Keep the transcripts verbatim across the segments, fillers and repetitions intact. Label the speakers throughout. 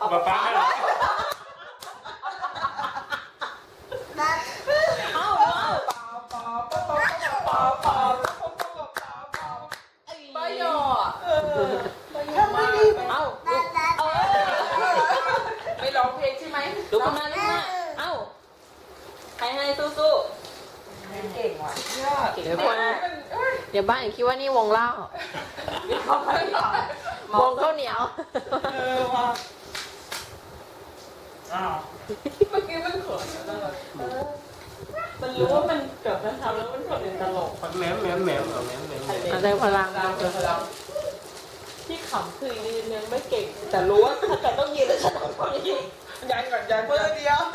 Speaker 1: ป๊าป๊าเหรอ
Speaker 2: เอาเอาป้าหยอทำไม่ดีเอาเอาไม่ร้องเพลงใช่ไหมลุกขึ้นมาลุกขึ้นมาเอาให้ให้สู้ๆเก่งว่ะยอด
Speaker 3: เดี๋ยวคนเดี๋ยวบ้านอย่าคิดว่านี่วงเล่า วงข้าวเหนียว
Speaker 2: เออว่ะ
Speaker 1: อ้าว
Speaker 2: เมื่อกี้มันเขินนะมันรู้ว่ามันเกิดมันทำแล้วมันเกิดเป็นตลก
Speaker 1: มันแหมมแหมมแหมมเอาแหมมแหมมแหมม
Speaker 3: อะไรพลัง
Speaker 2: ที่ขำคือยืนยังไม่เก่ง แต่รู้ว่าถ้าเกิดต้องยืนแล้วฉันต้องทำอย่างนี้ยันก่อนยันมือเดียว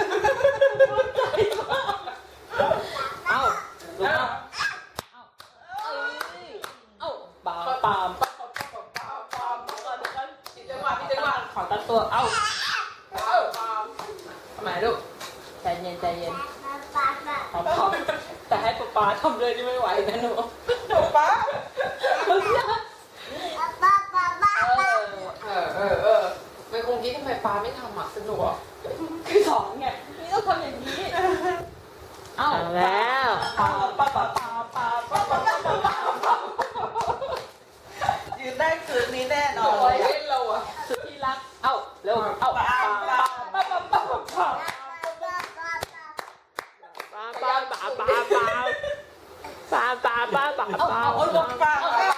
Speaker 2: เอ้าลุกเอาเอ้าเอ้ยเอ้าปามปามปามปามปามปามปามปามผิดจังหวะผิดจังหวะขอตั้งตัวเอ้าเอ้าปามทำไมลูกใจเย็นใจเย็นพร้อมพร้อมแต่ให้ป๊าป๊าทำเลยนี่ไม่ไหวนะหนูป๊าป๊าเออเออเออไม่คงคิดทำไมป๊าไม่ทำอ่ะสนุกอ่ะคือสอนไงนี่ต้องทำอย่างนี้เอ้า
Speaker 3: เอาแล้ว
Speaker 2: ป๊าป๊าป๊าป๊าป๊าป๊าป๊าป๊าป๊าป๊าป๊า
Speaker 4: ยืนได้คืนนี้แน่นอน
Speaker 2: โอ้ยเล่นเราอ่ะสุดที่รักเอ้าเร็วเอ้าป๊าป๊าป๊าป๊าป๊าป๊าป๊า
Speaker 3: ปลาปลาปลาปลาปลาปลาปลาปลาปลาปลา
Speaker 2: เอาเอาเอาลงปากเอา